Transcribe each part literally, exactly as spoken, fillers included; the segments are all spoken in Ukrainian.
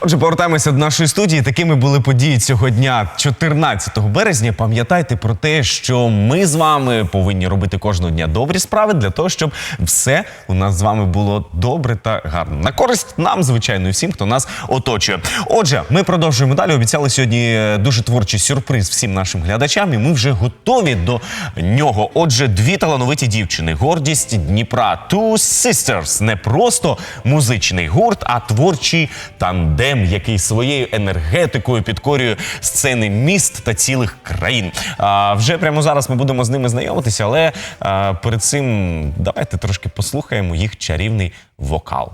Отже, повертаємося до нашої студії. Такими були події цього дня, чотирнадцятого березня. Пам'ятайте про те, що ми з вами повинні робити кожного дня добрі справи для того, щоб все у нас з вами було добре та гарно. На користь нам, звичайно, і всім, хто нас оточує. Отже, ми продовжуємо далі. Обіцяли сьогодні дуже творчий сюрприз всім нашим глядачам, і ми вже готові до нього. Отже, дві талановиті дівчини. Гордість Дніпра. Two Sisters. Не просто музичний гурт, а творчий тандем, який своєю енергетикою підкорює сцени міст та цілих країн. А, вже прямо зараз ми будемо з ними знайомитися, але а, перед цим давайте трошки послухаємо їх чарівний вокал.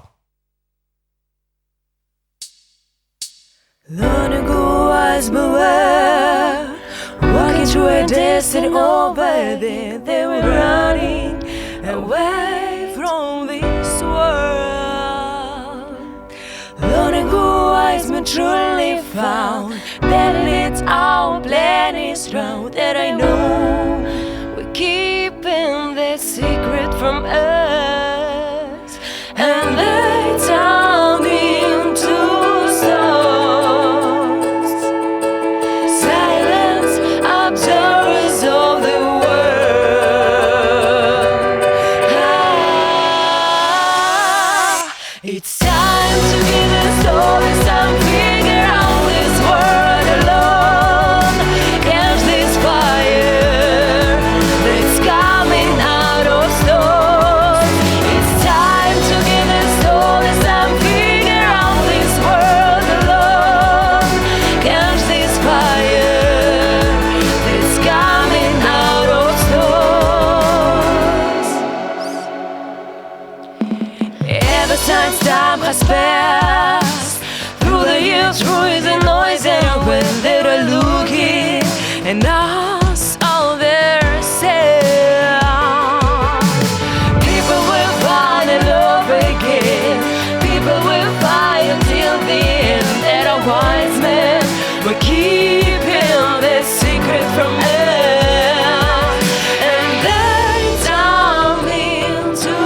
Long ago I was beware, walking through a desert over there, they were running away from this world. Long ago I was truly found, that it's our plan is wrong, that I know we're keeping the secret from us, and they turned into stars, silence, observers of the world. Ah, it's time to give the story some figure out this world alone. Catch this fire that's coming out of stores. It's time to give the story some figure out this world alone. Catch this fire that's coming out of stores. Ever since time has passed, through the years, through the noise, and when they are looking and us all their sound, people will find and love again. People will fight until the end. That a wise man will keep him the secret from us, and they turn into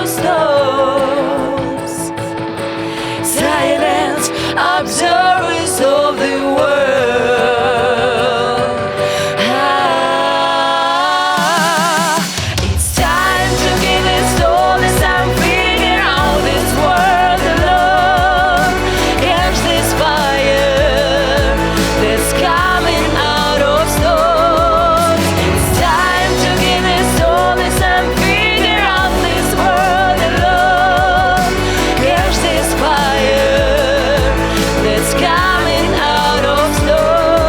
stars, silence, observers of the world. Ah, it's time to give it story some figure out this world alone. Catch this fire that's coming out of stores. It's time to give it story some figure out this world alone. Catch this fire that's coming out of stores.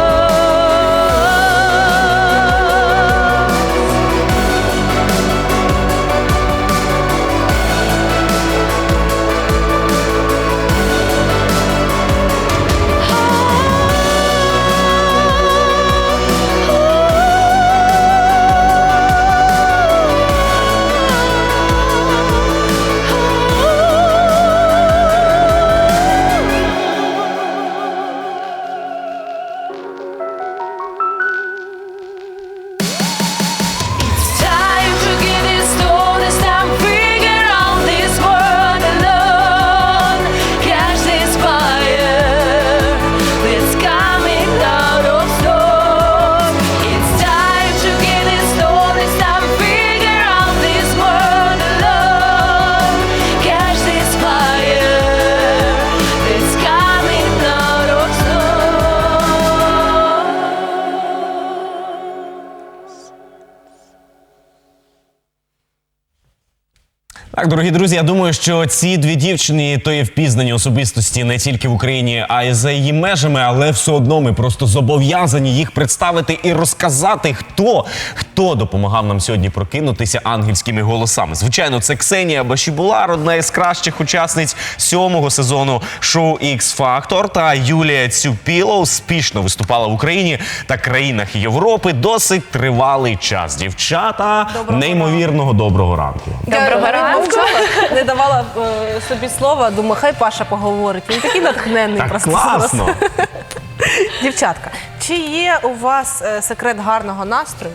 It's time to give this story some figure out this world alone. Catch this fire that's coming out of stores. It's time to give this story some figure out this world alone. Catch this fire that's coming out of stores. Так, дорогі друзі, я думаю, що ці дві дівчини то є впізнані особистості не тільки в Україні, а й за її межами, але все одно ми просто зобов'язані їх представити і розказати, хто, хто допомагав нам сьогодні прокинутися ангельськими голосами. Звичайно, це Ксенія Башібулар, одна із кращих учасниць сьомого сезону шоу X-Factor, та Юлія Цюпіло успішно виступала в Україні та країнах Європи досить тривалий час. Дівчата, Доброго неймовірного доброго ранку. Доброго ранку. Не давала е, собі слова, думаю, хай Паша поговорить. Він такий натхненний Так просто. класно! Дівчатка, чи є у вас е, секрет гарного настрою?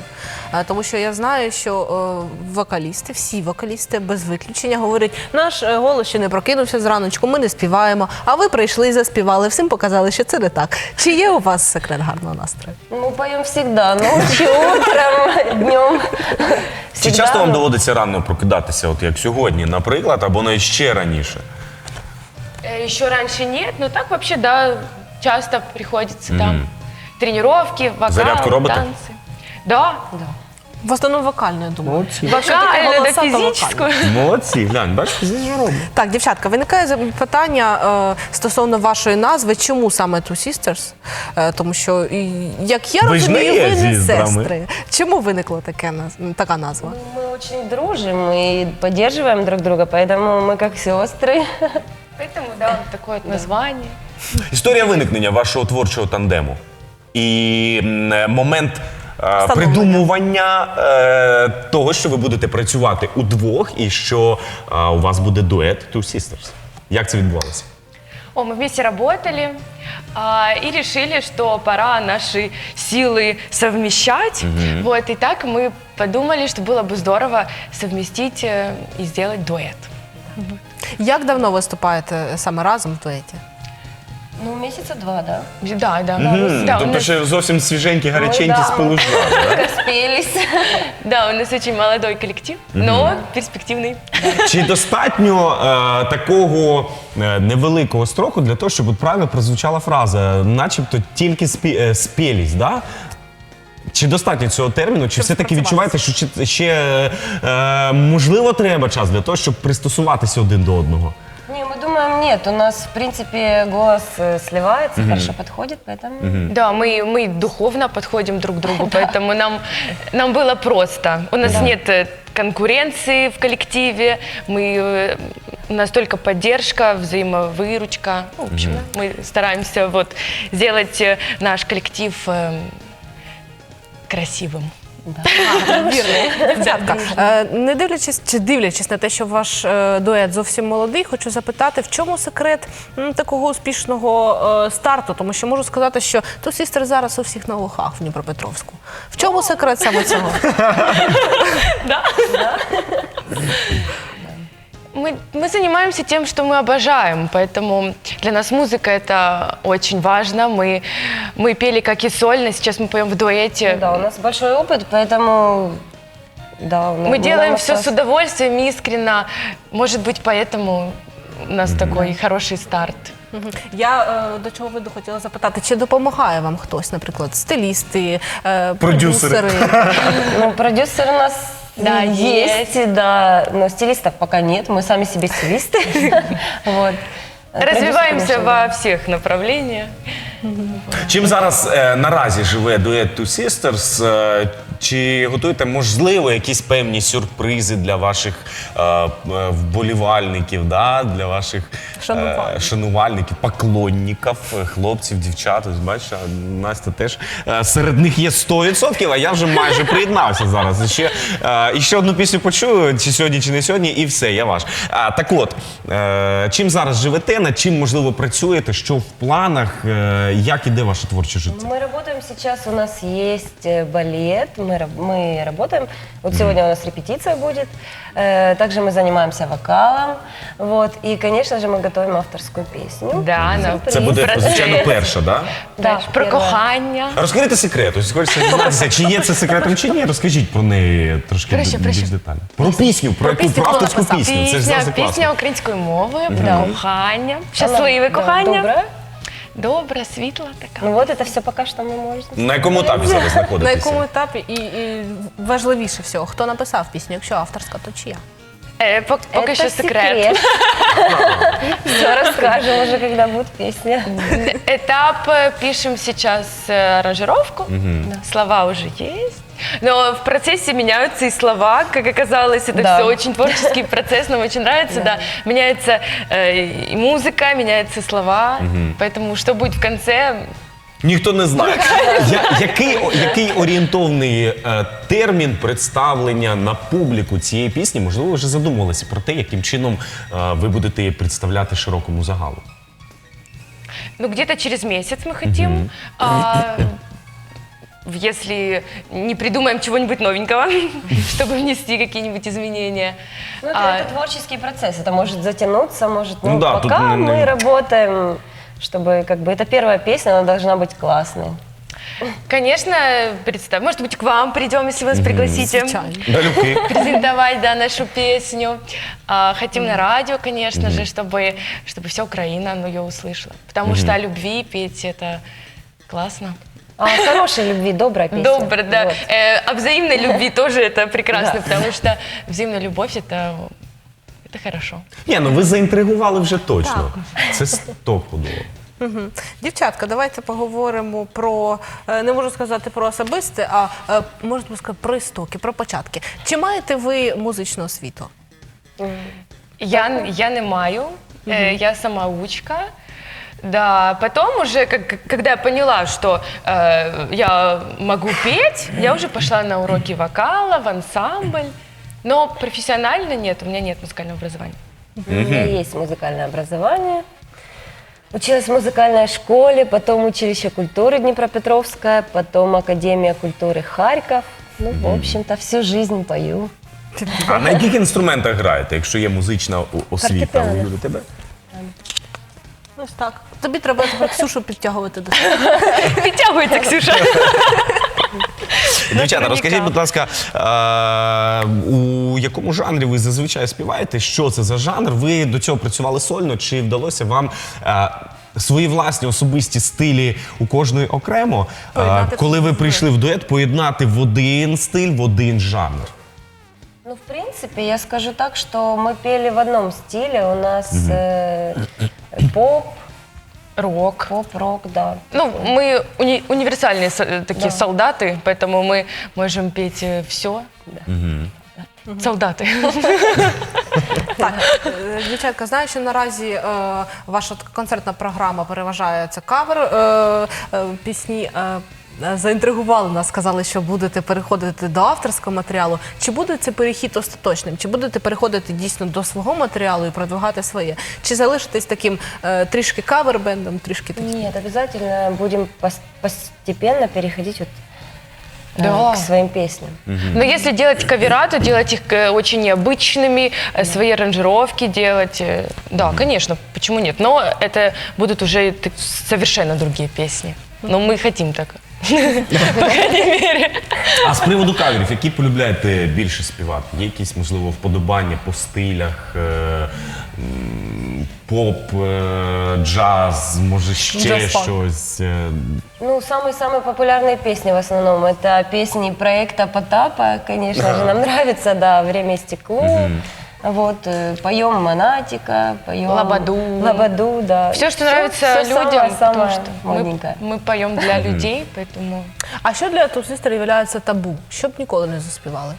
Е, Тому що я знаю, що е, вокалісти, всі вокалісти без виключення говорять, наш е, голос ще не прокинувся зраночку, ми не співаємо, а ви прийшли і заспівали, всім показали, що це не так. Чи є у вас секрет гарного настрою? Мы поем всегда, ночью, утром, днем. Чи часто вам доводиться рано прокидатися, от як сьогодні, наприклад, або навіть ще раніше? Э, Еще раньше нет, но так вообще, да, часто приходится там тренировки, вокал, Зарядку робота? танцы. Да, да. В основному вокально, я думаю. Вокальную, да, голоса, то физическую. Молодці, глянь, бачиш, здесь же робимо. Так, дівчатка, виникає за- питання е, стосовно вашої назви, чому саме Two Sisters? Е, тому що, і, як я Ви ж не розумію, є ви не зіздрами. сестри. Чому виникла таке, наз- така назва? Мы очень дружим и поддерживаем друг друга, поэтому мы как сестры. Поэтому, да, вот такое вот название. Історія виникнення вашого творчого тандему і м, е, момент е, Встановлення. придумування е, того, що ви будете працювати удвох і що е, у вас буде дует Two Sisters. Як це відбувалося? О, мы вместе работали а, и решили, что пора наши силы совмещать. Вот, и так мы подумали, что было бы здорово совместить э, и сделать дуэт. Як давно виступаєте саме разом в дуеті? Ну, месяца два, да? Да, да. М, Да, у тобто нас, ще зовсім свіженькі, гаряченькі да. з полужа. Только спелись. да, у нас очень молодой коллектив, но перспективный. Чи достатньо е, такого е, невеликого строку для того, щоб от правильно прозвучала фраза, начебто тільки спі, е, спілість, да? Чи достатньо цього терміну, чи все-таки відчуваєте, що ще, ще е, можливо треба час для того, щоб пристосуватися один до одного? Не, мы думаем, нет, у нас, в принципе, голос э, сливается, хорошо подходит, поэтому... Да, мы, мы духовно подходим друг к другу, поэтому нам, нам было просто. У нас нет э, конкуренции в коллективе, мы, э, у нас только поддержка, взаимовыручка. Ну, в общем, мы стараемся вот, сделать э, наш коллектив э, красивым. Вірно. Дівчатка, е, не дивлячись чи дивлячись на те, що ваш е, дует зовсім молодий, хочу запитати, в чому секрет м, такого успішного е, старту? Тому що можу сказати, що Two Sisters зараз у всіх на вухах в Дніпропетровську. В чому секрет саме цього? Мы, мы занимаемся тем, что мы обожаем, поэтому для нас музыка это очень важно. Мы, мы пели как и сольно, сейчас мы поем в дуэте. Да, у нас большой опыт, поэтому... Да, Мы делаем все с удовольствием, искренно. Может быть, поэтому у нас такой хороший старт. Мгм. Я е, до чого веду хотіла запитати, чи допомагає вам хтось, наприклад, стилісти, е, Продюсери. продюсери? Ну, продюсер у нас Да, есть, да, но стилистов пока нет, мы сами себе стилисты. Вот. Развиваемся Продюсер, во конечно, всех направлениях. Чим зараз е, наразі живе дует Two Sisters? Е, чи готуєте, можливо, якісь певні сюрпризи для ваших е, е, вболівальників, да? Для ваших е, Шанувальників. шанувальників, поклонників, е, хлопців, дівчат? Ось бачиш, а Настя теж е, серед них є сто відсотків, а я вже майже приєднався зараз. І ще, е, і ще одну пісню почую, чи сьогодні, чи не сьогодні, і все, я ваш. А, так от, е, чим зараз живете, над чим, можливо, працюєте, що в планах, е, як іде ваше творче життя? Мы работаем сейчас, у нас есть э, балет, мы, раб- мы работаем, вот сегодня у нас репетиция будет, э, также мы занимаемся вокалом, вот, и, конечно же, мы готовим авторскую песню. Да, на Сюрприз. Це буде, Процес. звичайно, перша, да? Да, про первое. кохання. Розкрийте секрет. Ось хочеться дізнатися, чи є це секретом, чи ні. Розкажіть про неї трошки Проще, більш проще. детально. Про пісню, про яку пісню, про хто авторську написав? пісню. Це ж Пісня, завжди пісня класно. українською мовою, про кохання, щасливе Да, кохання. добре. Добра, світла така. Ну вот это все пока что мы можем. На якому етапі зараз На знаходитеся? якому етапі і, і важливіше всього, хто написав пісню? Якщо авторська, то чия? Е, пок- поки Это що секрет. Все расскажем уже, когда будет песня. Этап э, пишем сейчас э, аранжировку, слова уже есть. Но в процессе меняются и слова, как оказалось, это Да. все очень творческий процесс, нам очень нравится, да. Меняется э, и музыка, меняются слова, поэтому что будет в конце, Ніхто не знає. Я, який, о- який орієнтовний е, термін представлення на публіку цієї пісні? Можливо, ви вже задумувалися про те, яким чином е, ви будете її представляти широкому загалу? ну где-то через месяц мы хотим. А, если не придумаем чего-нибудь новенького, чтобы внести какие-нибудь изменения. Ну, это, А, это творческий процесс, это может затянуться, может, ну, Ну да, тут пока не- не- мы работаем, чтобы, как бы, это первая песня, она должна быть классной. Конечно, представь, может быть, к вам придем, если вы нас пригласите. Звичайно. Далюки. Презентовать, да, нашу песню. А, хотим на радио, конечно же, чтобы, чтобы вся Украина ну, ее услышала. Потому что о любви петь это классно. А о хорошей любви, добрая песня. Добро, да. Вот. Э, о взаимной любви тоже это прекрасно, Да. потому что взаимная любовь это, это хорошо. Ні, ну ви заінтригували вже точно. Це стопудово. Мгм. Дівчатка, давайте поговоримо про, е, не можу сказати про особисте, а е, можна сказати про істоки, про початки. Чи маєте ви музичну освіту? Я, я не маю, э, я самоучка. Да, потом уже, как, когда я поняла, что э, я могу петь, я уже пошла на уроки вокала, в ансамбль. Но профессионально нет, у меня нет музыкального образования. У меня есть музыкальное образование. Училась в музыкальной школе, потом училище культуры Днепропетровская, потом Академия культуры Харьков. Ну, в общем-то, всю жизнь пою. А на яких інструментах граєте, якщо є музична о- освіта? Фортепіано. У тебе? Ось так. Тобі треба тепер Ксюшу підтягувати до себе. Підтягується, Ксюша. Дівчата, розкажіть, будь ласка, е, у якому жанрі ви зазвичай співаєте? Що це за жанр? Ви до цього працювали сольно? Чи вдалося вам е, свої власні особисті стилі у кожної окремо, е, Поєднати коли ви в прийшли в дует, поєднати в один стиль, в один жанр? Ну, в принципе, я скажу так, что мы пели в одном стиле. У нас э, поп, Рок. поп-рок, да. Ну, мы уни- универсальные со- э, такие Да. солдаты, поэтому мы можем петь все. Солдаты. Так, е, дівчатка, знаю, що наразі е, ваша така концертна програма переважає це кавер е, е, пісні. Е, е, заінтригували нас, сказали, що будете переходити до авторського матеріалу. Чи буде цей перехід остаточним? Чи будете переходити дійсно до свого матеріалу і продвигати своє? Чи залишитесь таким е, трішки кавер-бендом, трішки таким? Нет, обязательно будем пос- постепенно переходить вот, э, Да. к своим песням. Но если делать кавера, то делать их э, очень необычными, э, свои аранжировки делать. э, Да, конечно, почему нет? Но это будут уже так- совершенно другие песни. Но мы хотим так. По крайней мере. А з приводу каверів, які полюбляєте більше співати? Є якісь, можливо, вподобання по стилях, е, м, поп, е, джаз, може ще Джаз-фанк. щось? е? Ну, самые-самые популярные песни в основном это песни проекта Потапа, конечно же, нам нравится, да, «Время и стекло». Вот, э, поем «Монатика», поем Лободу. Лободу, да. Все, что Всё- нравится всё людям, самое, потому самое что мы, модненькое. мы поем для людей, поэтому... А що для тусистів є табу? Щоб ніколи не заспівали?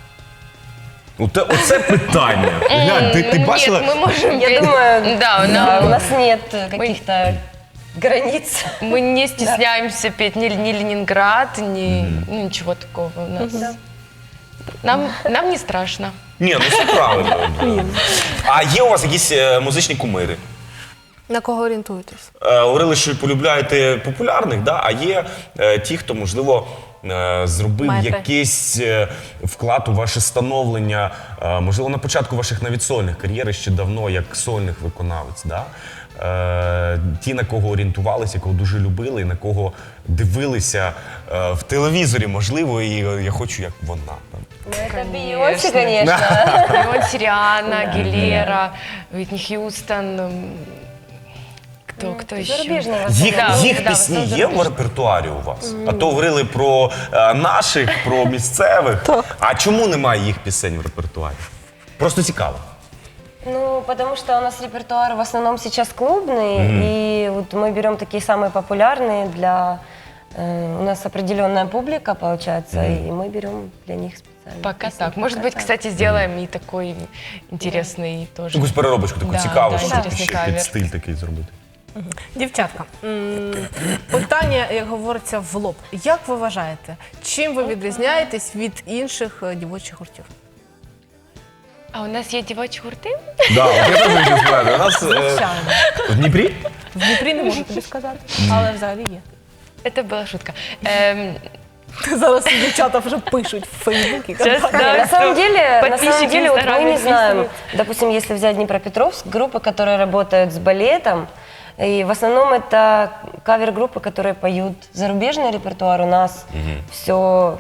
Оте, оце питання. Глянь, ти, ти Ну, бачила? Нет, мы можем Я петь. думаю, Да, да, нам- у нас нет э, каких-то границ. Мы не стесняемся петь ни, ни Ленинград, ни ну, ничего такого у нас. Нам, нам не страшно. Ні, ну все правильно. А є у вас якісь е, музичні кумири? На кого орієнтуєтесь? Е, говорили, що полюбляєте популярних, да? А є е, ті, хто, можливо, е, зробив Маєте. якийсь е, вклад у ваше становлення, е, можливо, на початку ваших навіть сольних кар'єр ще давно, як сольних виконавець. Да? Е, ті, на кого орієнтувалися, кого дуже любили, і на кого дивилися е, в телевізорі, можливо, і е, я хочу, як вона. Там. Ну, это Конечно. Бейонсе, конечно. Леон Сириана, Гилера, Уитни Хьюстон. м, Кто, кто еще? Зарубежные в Їх, Да, їх да, пісні все є в репертуарі у вас? А то говорили про е, наших, про місцевих. А чому немає їх пісень в репертуарі? Просто цікаво. Ну, потому что у нас репертуар в основном сейчас клубный, и вот мы берем такие самые популярные для... э, у нас определенная публика, получается, и мы берем для них специально. Пока песни. так. Может Пока быть, так. кстати, сделаем и такой интересный тоже. Якусь переробочку таку Да, цікаву, да, щоб інтересний ще кавер. під стиль такий зробити. Дівчатка, м, питання, як говориться, в лоб. Як ви вважаєте, чим ви відрізняєтесь від інших е, дівочих гуртів? А у нас есть девочьи гурты? Да, от я теж хочу сказати. У нас е, Звичайно. в Дніпрі В Дніпрі не можу тобі сказати, але взагалі є. Это была шутка. Эм, Зараз дівчата вже пишуть в Фейсбуці. Сейчас, Не, да, на самом что деле, на подписчики самом деле, в вот мы Инстаграме не знаем, писают. допустим, если взять Днепропетровск, группы, которые работают с балетом, и в основном это кавер-группы, которые поют зарубежный репертуар, у нас все...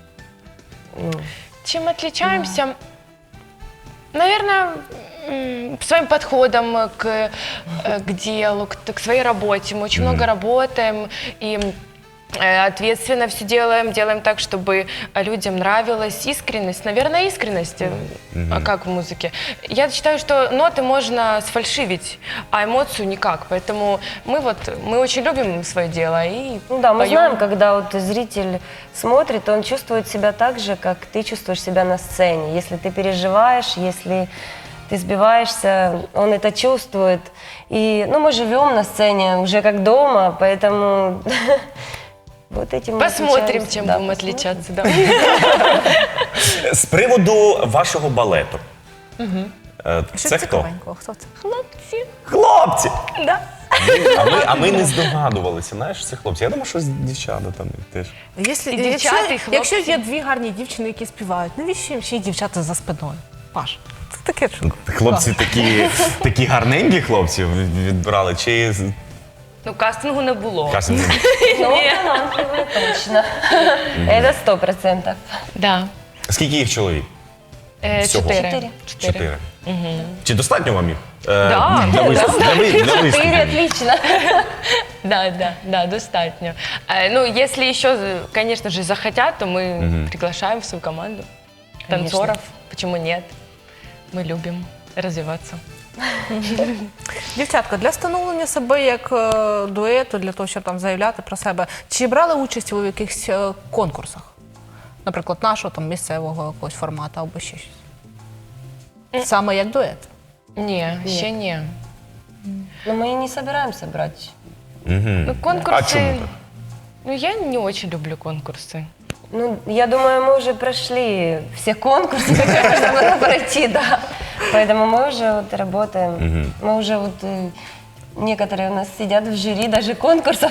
Чем отличаемся? Наверное, м, своим подходом к, э, к делу, к, к своей работе. Мы очень много работаем и э, ответственно все делаем, делаем так, чтобы людям нравилась искренность. Наверное, искренность, э, а как в музыке. Я считаю, что ноты можно сфальшивить, а эмоцию никак. Поэтому мы вот, мы очень любим свое дело и Ну да, мы поем. знаем, когда вот зритель смотрит, он чувствует себя так же, как ты чувствуешь себя на сцене. Если ты переживаешь, если ты сбиваешься, он это чувствует. И, ну, мы живем на сцене уже как дома, поэтому вот этим мы Посмотрим, отличаемся. чем Да, будем посмотрим. отличаться. Да. З приводу вашого балету. Е, Що Це хто? цікавенького? Хто це? Хлопці. Хлопці! Да. А ми, а ми не здогадувалися, знаєш, це хлопці. Я думаю, що дівчата там теж. Якщо, І дівчата, якщо, і хлопці. якщо є дві гарні дівчини, які співають, навіщо їм ще й дівчата за спиною? Паш, це таке що? Хлопці такі, такі гарненькі хлопці відбирали, чи з- Ну, кастингу не було. кажемо, Ну, талантливые точно. Это сто процентов. Да. скільки їх чоловік? Е, Всього? Чотири. Чотири. Чотири. Чи достатньо вам їх? Е, Да. Для виступу. Для, ви- для виступу. Четыре отлично. Да, да, да, достатньо. Э, Ну, если еще, конечно же, захотят, то мы приглашаем в свою команду танцоров. Почему нет? Мы любим развиваться. Дівчатка, для встановлення себе як е, дуету, для того, щоб там заявляти про себе, чи брали участь ви в якихось е, конкурсах? Наприклад, нашого там місцевого якогось формату або ще щось? Саме як дует? Не, еще не. Но мы и не собираемся брать. Ну, конкурсы... А чему так? Ну, я не очень люблю конкурсы. Ну, я думаю, мы уже прошли все конкурсы, которые можно было пройти, да. Поэтому мы уже вот работаем. Мы уже вот э, некоторые у нас сидят в жюри даже конкурсов.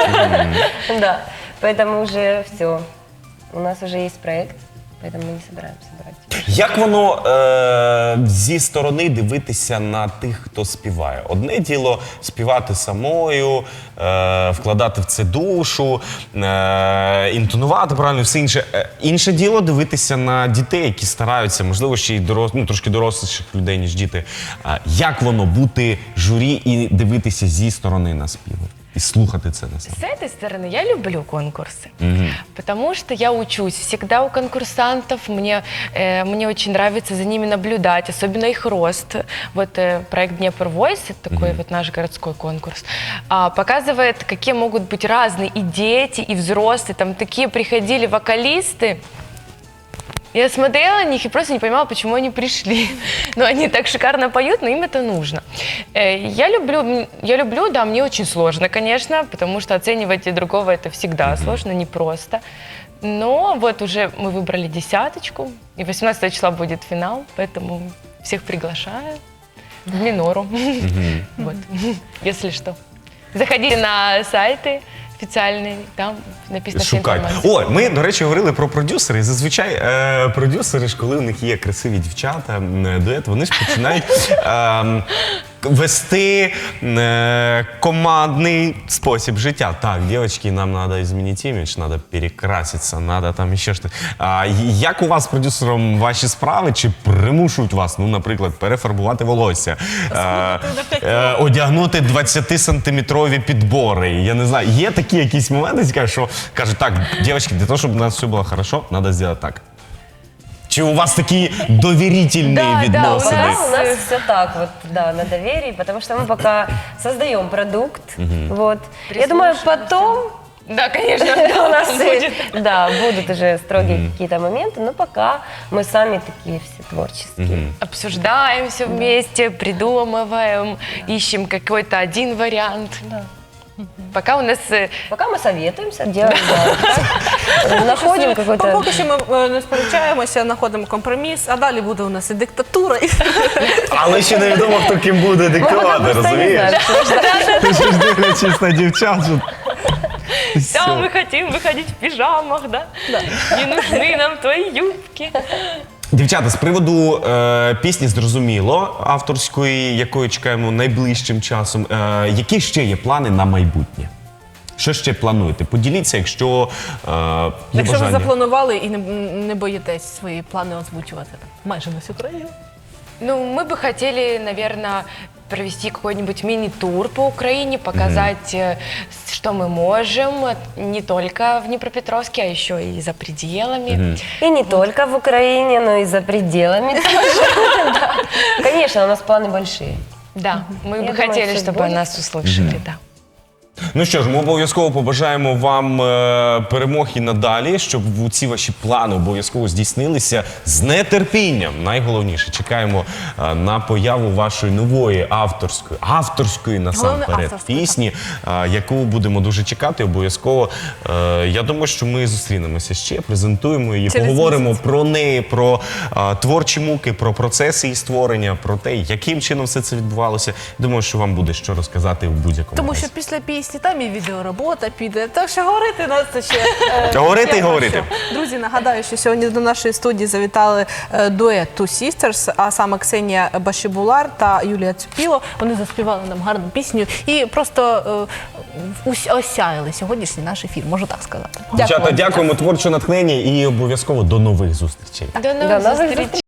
Да. Поэтому уже все. У нас уже есть проект, поэтому мы не собираемся брать. Як воно е, зі сторони дивитися на тих, хто співає? Одне діло співати самою, е, вкладати в це душу, е, інтонувати правильно, все інше. Е, інше діло дивитися на дітей, які стараються, можливо, ще й дорос, ну, трошки доросліших людей, ніж діти. Е, як воно бути журі і дивитися зі сторони на співи? І слухати це на себе? С этой стороны я люблю конкурсы, потому что я учусь всегда у конкурсантов, мне, э, мне очень нравится за ними наблюдать, особенно их рост. Вот э, проект Днепр Voice, это такой вот наш городской конкурс, а, показывает, какие могут быть разные и дети, и взрослые, там такие приходили вокалисты. Я смотрела на них и просто не понимала, почему они пришли. Но они так шикарно поют, но им это нужно. Э, Я люблю, я люблю, да, мне очень сложно, конечно, потому что оценивать и другого это всегда сложно, непросто. Но вот уже мы выбрали десяточку, и восемнадцатого числа будет финал, поэтому всех приглашаю в Минору. Вот, если что. Заходите на сайты официальные, там написано вся Шукайте. информация. О, ми, до речі, говорили про продюсери. Зазвичай е, продюсери ж, коли у них є красиві дівчата, м, дует, вони ж починають е, вести е, командний спосіб життя. Так, дівчатки, нам треба змінити імідж, треба перекраситися, треба там ще щось. А як у вас з продюсером ваші справи? Чи примушують вас, ну, наприклад, перефарбувати волосся, е, е, одягнути двадцятисантиметрові підбори? Я не знаю, є такі якісь моменти, які кажуть, що кажуть, так, дівчатки, для того, щоб у нас все було хорошо, треба зробити так. Чи у вас такі довірительні Да, да, відносини? у Да, нас- у нас все так вот, да, на доверии, потому что мы пока создаем продукт, вот. Я думаю, потом Да, конечно, у нас будет. и- да, будут уже строгие какие-то моменты, но пока мы сами такие все творческие. Обсуждаем все вместе, придумываем, ищем какой-то один вариант. Пока у нас э, Пока мы советуемся, делаем, да, так, находим какой-то... Поки що ми е, не сперечаємося, знаходимо компроміс, а далі буде у нас і диктатура, і Але ще невідомо, хто ким буде Мы пока диктувати, просто не розумієш? знаем, что ждать. Ти ж дивлячись на дівчат, що Да, мы хотим выходить в пижамах, да? Не нужны нам твои юбки. Дівчата, з приводу е, пісні зрозуміло, авторської, якої чекаємо найближчим часом. Е, які ще є плани на майбутнє? Що ще плануєте? Поділіться, якщо е, є Якщо ви бажання. запланували і не, не боїтесь свої плани озвучувати майже на всю країну. Ну, мы бы хотели, наверное, провести какой-нибудь мини-тур по Украине, показать, э, с- что мы можем, э, не только в Днепропетровске, а еще и за пределами. И не только в Украине, но и за пределами тоже. Да. Конечно, у нас планы большие. Да, мы Я бы думаю, хотели, всё чтобы будет. нас услышали, да. Ну що ж, ми обов'язково побажаємо вам е, перемог і надалі, щоб ці ваші плани обов'язково здійснилися з нетерпінням. Найголовніше, чекаємо е, на появу вашої нової авторської, авторської насамперед авторської, пісні, е, яку будемо дуже чекати. Обов'язково. Е, я думаю, що ми зустрінемося ще, презентуємо її, Через поговоримо місяць. про неї, про е, творчі муки, про процеси її створення, про те, яким чином все це відбувалося. Думаю, що вам буде що розказати в будь-якому Тому разі. що після пісні там і відеоробота піде. Так що говорити нас це ще е, Говорити ще і про говорити. що. Друзі, нагадаю, що сьогодні до нашої студії завітали е, дует Two Sisters, а саме Ксенія Башибулар та Юлія Цюпіло. Вони заспівали нам гарну пісню і просто е, ус- осяяли сьогоднішній наш ефір, можу так сказати. Дівчата, вам. дякуємо, творче натхнення і обов'язково до нових зустрічей. До До новых новых встреч.